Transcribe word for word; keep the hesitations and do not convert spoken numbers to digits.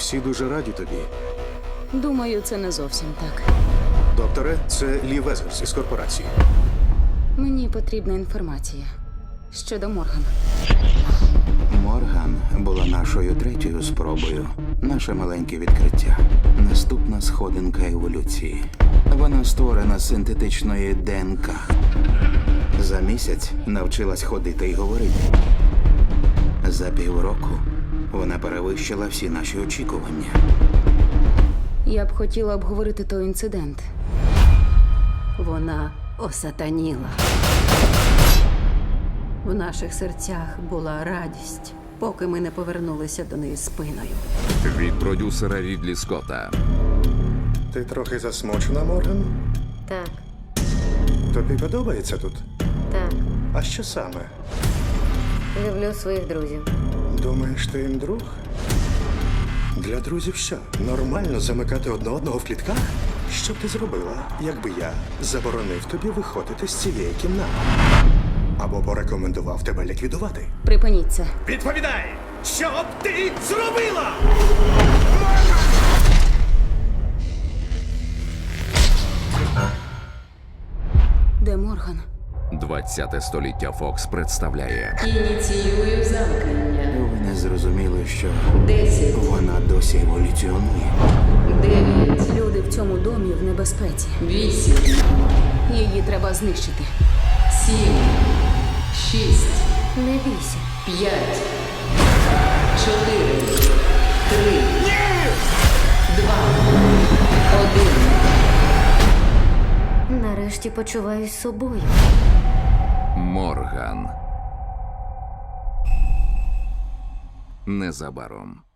Всі дуже раді тобі. Думаю, це не зовсім так. Докторе, це Лі Везерс із корпорації. Мені потрібна інформація щодо Морган. Морган була нашою третьою спробою. Наше маленьке відкриття. Наступна сходинка еволюції. Вона створена з синтетичної ДНК. За місяць навчилась ходити і говорити. За півроку вона перевищила всі наші очікування. Я б хотіла обговорити той інцидент. Вона осатаніла. В наших серцях була радість, поки ми не повернулися до неї спиною. Від продюсера Рідлі Скотта. Ти трохи засмучена, Морган? Так, Тобі подобається тут? так. А що саме? Люблю своїх друзів. Думаєш, ти їм друг? Для друзів що? Нормально замикати одне одного в клітках? Що б ти зробила, якби я заборонив тобі виходити з цієї кімнати? Або порекомендував тебе ліквідувати? Припиніть це. Відповідай! Що б ти зробила? Де Морган? двадцяте століття Фокс представляє Ініціюю замкнення. Ви не зрозуміли, що Десять, вона досі еволюціонує. дев'ять, Люди в цьому домі в небезпеці. вісім, Її треба знищити. сім, шість, Не бійся. п'ять, чотири, три, два, один. Нарешті почуваюсь собою. Морган. Незабаром.